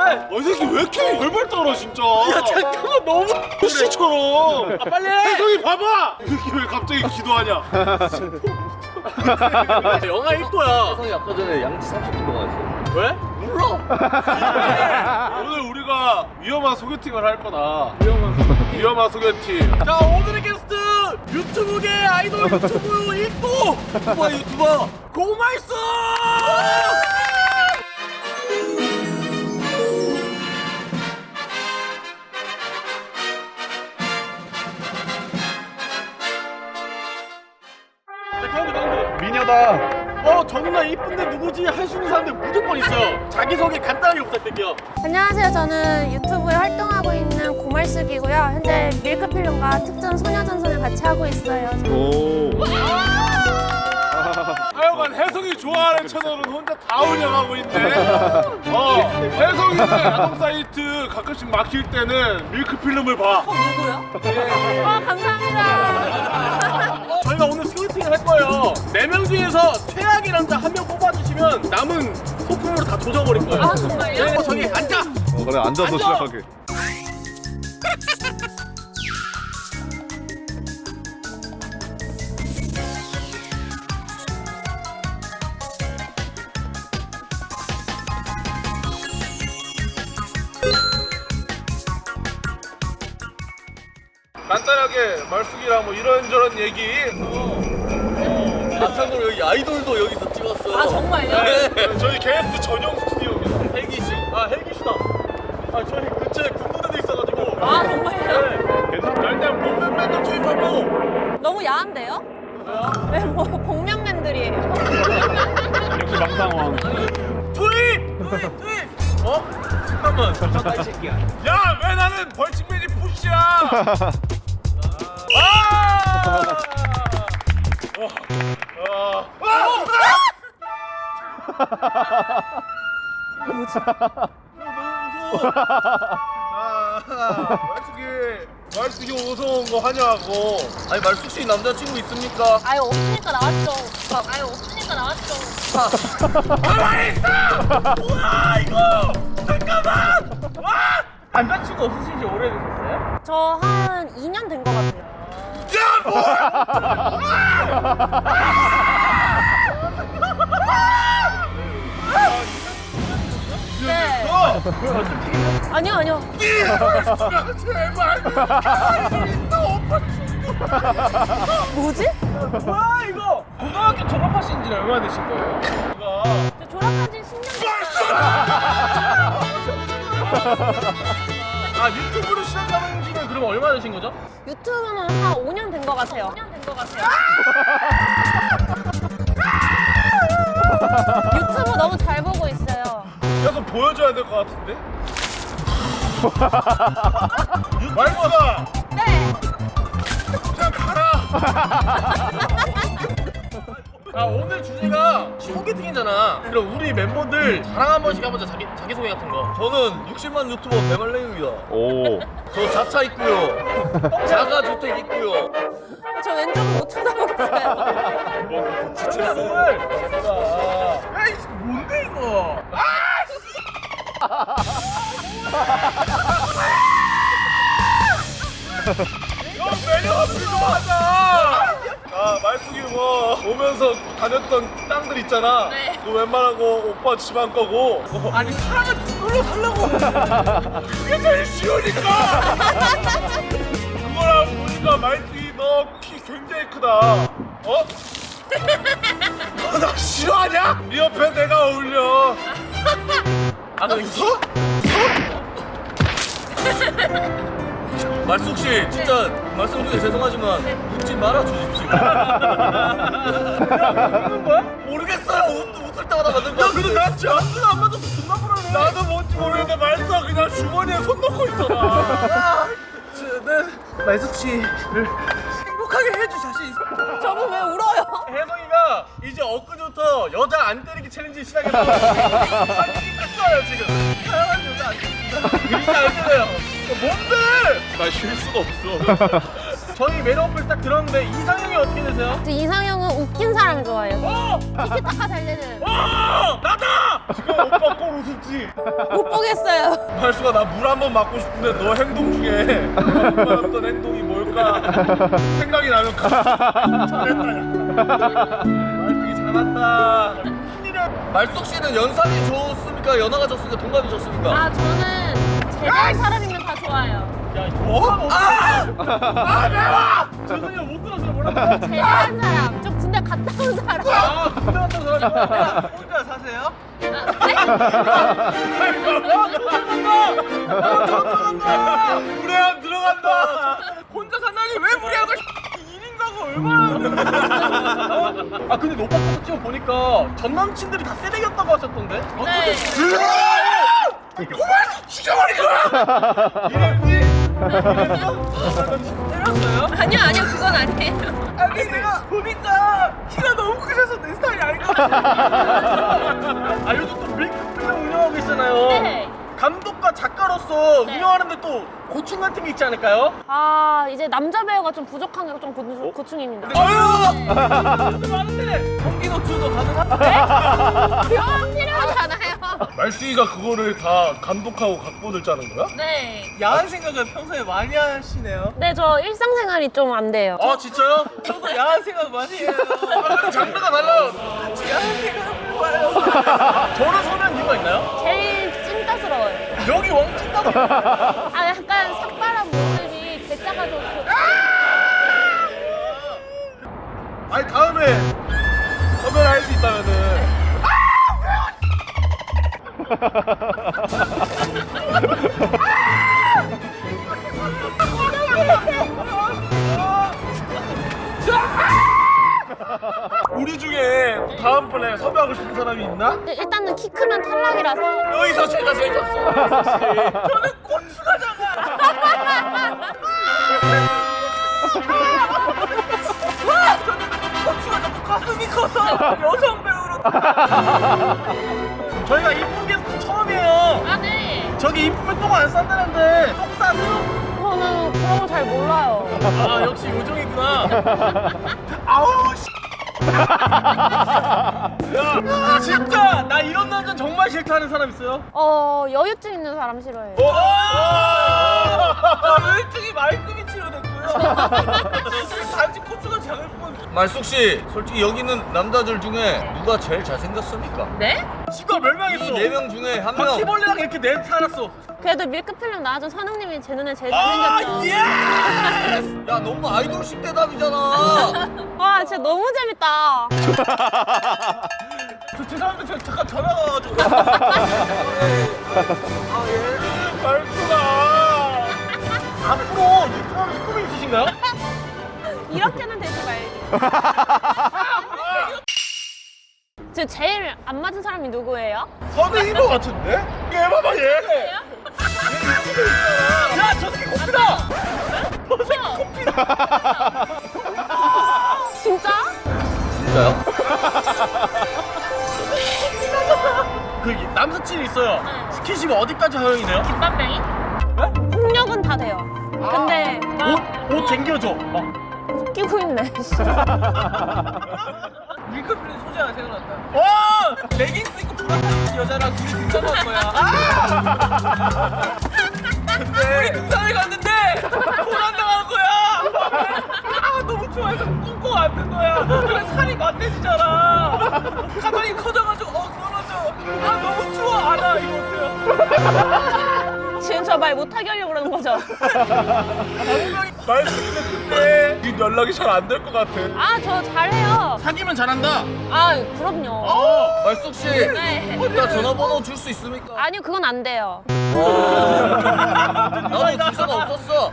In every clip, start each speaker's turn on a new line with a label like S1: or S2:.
S1: 이 새끼 왜 이렇게 벌벌 떨어 진짜.
S2: 야 잠깐만 너무
S1: 씨처럼.
S2: 빨리
S1: 혜성이 봐봐. 이 새끼 왜 갑자기 기도하냐.
S2: 영하 1도야.
S3: 혜성이 아까 전에 양치 30분 동안 했어.
S2: 왜? 몰라.
S1: 오늘 우리가 위험한 소개팅을 할 거다. 위험한 소개팅.
S2: 자 오늘의 게스트 유튜브계 아이돌 유튜브 1도 유튜버 고말수.
S1: 미녀다.
S2: 저 누나 이쁜데 누구지 할 수 있는 사람들 무조건 있어요. 자기소개 간단하게 부탁드릴게요.
S4: 안녕하세요. 저는 유튜브에 활동하고 있는 고말숙이고요. 현재 밀크필름과 특전 소녀전선을 같이 하고 있어요.
S1: 오. 하여간 혜성이 좋아하는 채널은 혼자 다 운영하고 있네. 혜성이는 야동 사이트 가끔씩 막힐 때는 밀크필름을 봐.
S4: 감사합니다.
S2: 저희가 오늘 소개팅을 할 거예요. 4명 중에서 최악의 남자 1명 뽑아주시면 남은 소품으로 다 조져버릴 거예요.
S4: 아, 정말요?
S2: 네, 저기 앉아.
S1: 그래 앉아서
S2: 앉아.
S1: 시작하게. 간단하게 말숙이랑 뭐 이런저런 얘기.
S3: 참고로 여기 아이돌도 여기서 찍었어요.
S4: 아, 정말요?
S3: 네.
S1: 저희 게스트 전용 스튜디오입니다.
S2: 헬기 씨. 헬기 씨다. 저희 근처에 군부대도 있어가지고.
S4: 아, 정말요?
S2: 네.
S1: 괜찮다. 일단 movement 투입하고.
S4: 너무 야한데요? 네, 뭐 복면맨들이에요.
S1: 역시 망상왕.
S2: 투입! 잠깐만. 잠깐 이 새끼야.
S1: 야, 왜 나는 벌칙맨이 푸시야? 말숙이 어서 온 거 환영하고.
S3: 아니 말숙 씨 남자친구 있습니까?
S4: 아예 없으니까 나왔죠. 아예 없으니까 나왔죠.
S2: 뭐야 이거! 잠깐만! 남자친구 없으신 지 오래되셨어요?
S4: 저 한 2년 된 것 같아요. 네. 아니요, 아니요.
S1: 제발.
S4: 뭐지?
S2: 뭐야 이거! 고등학교 졸업하신 지 얼마나 되신 거예요?
S4: 저 졸업한 지 10년 됐어요.
S2: 유튜브를 시작하는 지는 그럼 얼마나 되신 거죠?
S4: 유튜브는 한 5년 된 것 같아요. 5년 된 것 같아요. 유튜브 너무 잘 보고 있어요.
S1: 계속 보여줘야 될 것 같은데? 말숙아,
S4: 네.
S1: 그냥 가라.
S2: 오늘 주제가 소개팅이잖아. 그럼 우리 멤버들 자랑 한 번씩 해보자. 자기소개 같은 거.
S3: 저는 60만 유튜버 배말랭입니다.
S1: 오.
S3: 저 자차 있고요. 자가 주택 있고요.
S4: 저 왼쪽은 못 쳐다보겠어요.
S2: 야이 뭔데 이거?
S1: 형 매력 없이 좀 하자. 말숙이 뭐 오면서 다녔던 땅들 있잖아.
S4: 네.
S1: 그 웬만한 거 오빠 집안 거고.
S2: 아니 사람을 그걸로 살라고.
S1: 그게 제일 쉬우니까. 그거랑 보니까 말숙이 너 키 굉장히 크다. 어? 나 싫어하냐? 네 옆에 내가 어울려.
S2: 너 웃어?
S3: 말숙 씨 진짜 말씀 중에 죄송하지만 웃지 말아 주십시오.
S2: 웃는 거야?
S3: 모르겠어요. 웃을 때마다 맞는 거.
S2: 근데 나 진짜 안안 맞아서 존나 불안해.
S1: 나도 뭔지 모르겠는데 말숙아 그냥 주머니에 손 넣고 있잖아.
S2: 말숙 씨를 행복하게 해줄 자신 있어.
S4: 저분 왜 울어요?
S2: 혜성이가 이제 엊그제부터 여자 안 때리기 챌린지 시작해서 자기 뺐어요 지금. 사랑하는 여자 안 때린다. 그러니까 안 때려요. 뭔데?
S1: 나 쉴 수가 없어.
S2: 저희 매력을 딱 들었는데 이상형이 어떻게 되세요?
S4: 저 이상형은 웃긴 사람 좋아해요.
S2: 어!
S4: 티키타카 잘 되는.
S2: 나다! 오빠 꼴 우습지.
S4: 못 보겠어요.
S2: 말수가 나 물 한 번 맞고 싶은데 너 행동 중에 어떤 행동이 뭘까 생각이 나면 잘했다. 말수기 잘한다.
S3: 말숙 씨는 연상이 좋습니까? 연하가 좋습니까? 동갑이 좋습니까?
S4: 아, 저는 제대한 사람이면 다 좋아요.
S2: 야, 뭐? 매워! 죄송해요, 못 들었어요. 뭐라고?
S4: 제대한 사람, 좀 군대 갔다 온 사람.
S2: 아, 군대 갔다 온 사람이 혼자 사세요? 무례함 들어간다. 혼자 산다니 왜 무례한 걸? 1인 가구 얼마나? 아 근데 오빠 포토 찍어 보니까 전 남친들이 다 쓰레기였다고 하셨던데?
S4: 네.
S2: 고만 죽여버릴 거야. 이랬니? 때렸어요?
S4: 아니요, 그건 아니에요.
S2: 아니 내가 보니까 키가 너무 크셔서 내 스타일이 아닌 것 같아. 아 요즘 또 밀크필름 운영하고 계시잖아요.
S4: 네.
S2: 감독과 작가로서
S4: 네.
S2: 운영하는데 또 고충 같은 게 있지 않을까요?
S4: 아, 이제 남자 배우가 좀 부족한 게 좀 고충입니다.
S2: 아유! 많은데 공기 노출도 가능한?
S4: 그건 필요하잖아요.
S2: 말수이가 그거를 다 감독하고 각본을 짜는 거야?
S4: 네.
S2: 야한 생각을 평소에 많이 하시네요.
S4: 네, 저 일상생활이 좀 안 돼요.
S2: 아 진짜요? 저도 야한 생각 많이 해요. 장르가 달라요. 야한 생각을 봐요. 저를 선호한 이유가 있나요?
S4: 제일 찐따스러워요.
S2: 여기 왕찐다고.
S4: 아, 약간 삭발한 모습이 대짜가 좋고.
S2: 아니 다음에 섭외를 할 수 있다면은 우리 중에 다음번에 섭외하고 싶은 사람이 있나?
S4: 일단은 키 크면 탈락이라서.
S2: 여기서 제가 제일 좋았어. 저는 곤수가 작아. 저는 곤수가 작고 가슴이 커서 여성 배우로. 저희가 이쁜 게스트 처음이에요.
S4: 아, 네.
S2: 저기 이쁘면 똥 안 싼다는데 똥 싸세요?
S4: 저는 그런 거 잘 몰라요.
S2: 아 역시 요정이구나. 아우 씨. 야 진짜 나 이런 남자 정말 싫다는 사람 있어요?
S4: 여유증 있는 사람 싫어해요.
S2: 열등이 말끔히 치료됐고요. 단지 고추가 작을 뿐.
S3: 말숙 씨, 솔직히 여기 있는 남자들 중에 누가 제일 잘생겼습니까?
S4: 네?
S2: 지가 멸망했어.
S3: 이 4명 중에 한 명.
S2: 바퀴벌레랑 이렇게 내 살았어.
S4: 그래도 밀크필름 나와준 선웅님이 제 눈에 제일
S2: 아
S4: 잘생겼죠.
S2: 예!
S3: 야, 너무 아이돌식 대답이잖아.
S4: 와, 진짜 너무 재밌다.
S2: 저 죄송한데 저 잠깐 전화가 와가지고. 말투가. 앞으로 유튜브 하면서 꿈이 있으신가요?
S4: 이렇게는 되지 말기. 지금 제일 안 맞은 사람이 누구예요?
S2: 선생인 것 같은데? 얘 봐봐 얘. 야, 저 새끼 코피다! 저 새끼 코피다!
S4: 진짜?
S3: 진짜요?
S2: 그 남사친이 있어요.
S4: 네.
S2: 스킨십 어디까지 허용이네요?
S4: 김밥뱅이? 폭력은 다 돼요. 근데
S2: 옷 쟁겨줘. 막.
S4: 끼고 있네.
S2: 밀크필름 소재가 생각났다. 와! 레깅스 입고 불안한 여자랑 둘이 등산 갈 거야. 아! 근데 우리 등산을 갔는데 고난당하는 거야. 아 너무 좋아해서 꽁꽁 안는 거야. 그래 살이 만대지잖아. 가만히 커져가지고 떨어져. 아 너무 추워. 안아 이거 어때요?
S4: 지금 저 말 못하게 하려고 그러는 거죠?
S2: 말씀인데 그때 네 연락이 잘 안 될 것 같아.
S4: 아, 저 잘해요.
S2: 사귀면 잘한다.
S4: 아, 그럼요.
S3: 말숙 씨,
S4: 네.
S3: 이따 전화번호 줄 수 있습니까?
S4: 아니요, 그건 안 돼요.
S3: 나도 기사가 없었어.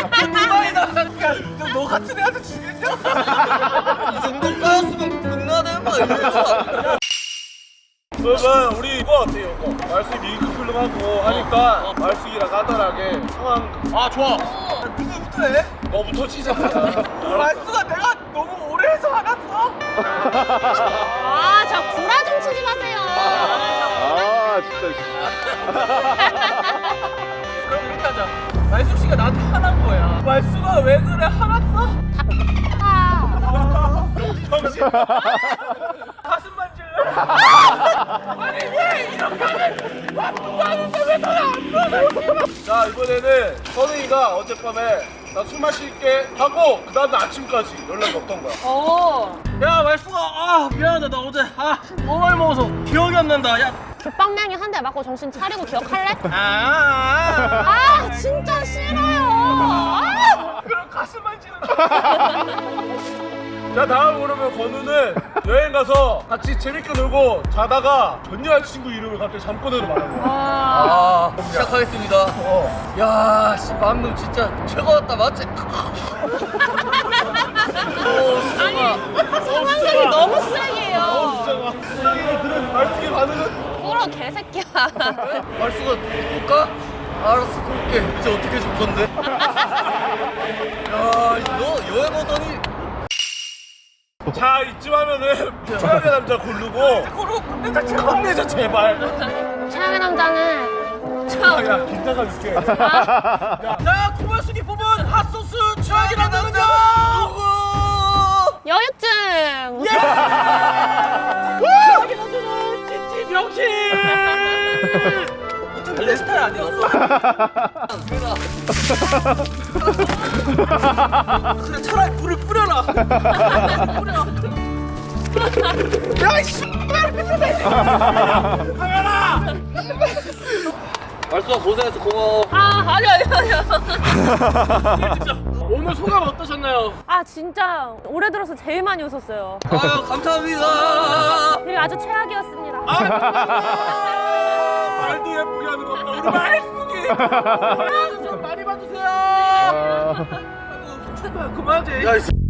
S2: 너 같은 애한테 주겠냐?
S3: 이 정도 까였으면 끝나야 되는 거 아닙니까?
S2: 그러면 우리 이거 어때요? 이거 말숙이 밀크필름하고 하니까 말숙이랑 간단하게 상황. 아 좋아. 누구부터 해? 너부터 시작해. 말숙아 내가 너무 오래 해서 화났어?
S4: 아, 저 구라 좀 치지 마세요.
S5: 아 진짜.
S2: 그럼 이렇게 하자. 말숙 씨가 나한테 화난 거야. 말숙아 왜 그래 화났어?
S4: 아,
S2: 정신. 가슴 만질래? 아니 왜 이렇게 하는데 왜 너를 안 불러줘?
S1: 자 이번에는 선우이가 어젯밤에 나 술 마실게 하고 그 다음날 아침까지 연락이 없던 거야.
S2: 야 말수가 미안하다 나 어제 너무 많이 먹어서 기억이 안 난다. 야
S4: 죽방맹이 한 대 맞고 정신 차리고 기억할래?
S2: 아.
S4: 아 진짜 싫어요.
S2: 그럼 가슴 만지는
S1: 자 다음 그러면 건우는 여행 가서 같이 재밌게 놀고 자다가 전 여자친구 이름을 갑자기 잠꼬대로 말하는 거야.
S3: 시작하겠습니다. 야, 씨, 방금 진짜 최고였다, 맞지?
S4: 상황극이 너무 쓰레기예요.
S1: 수정아 수정이를 들은 말투의 반응은?
S4: 꿇어 개새끼야.
S3: 말수가 볼까? 알았어, 볼게. 이제 어떻게 해줄 건데? 야, 너 여행 오더니
S1: 자 이쯤 하면은 최악의 남자 고르고 혼내줘 제발.
S4: 최악의 남자는
S1: 야 긴장감 있게.
S2: 자 고말숙이 뽑은 핫소스 최악이라는 남자 누구?
S4: 여유증.
S2: 최악의 남자는 찐찐 명신. 어차피 내 스타일 아니었어. 그냥 차라리 불을 뿌려라. 뿌려.
S3: 말수가 고생해서 고마워.
S4: 아니야.
S2: 오늘 소감 어떠셨나요?
S4: 아 진짜 올해 들어서 제일 많이 웃었어요.
S3: 아유, 감사합니다.
S4: 그리고 아주 최악이었습니다.
S1: 말도 예쁘게 하는 거 봐. 우리 말숙이.
S2: 좀 많이 봐주세요. 아이고, 제발 그만하지.
S3: 야, 이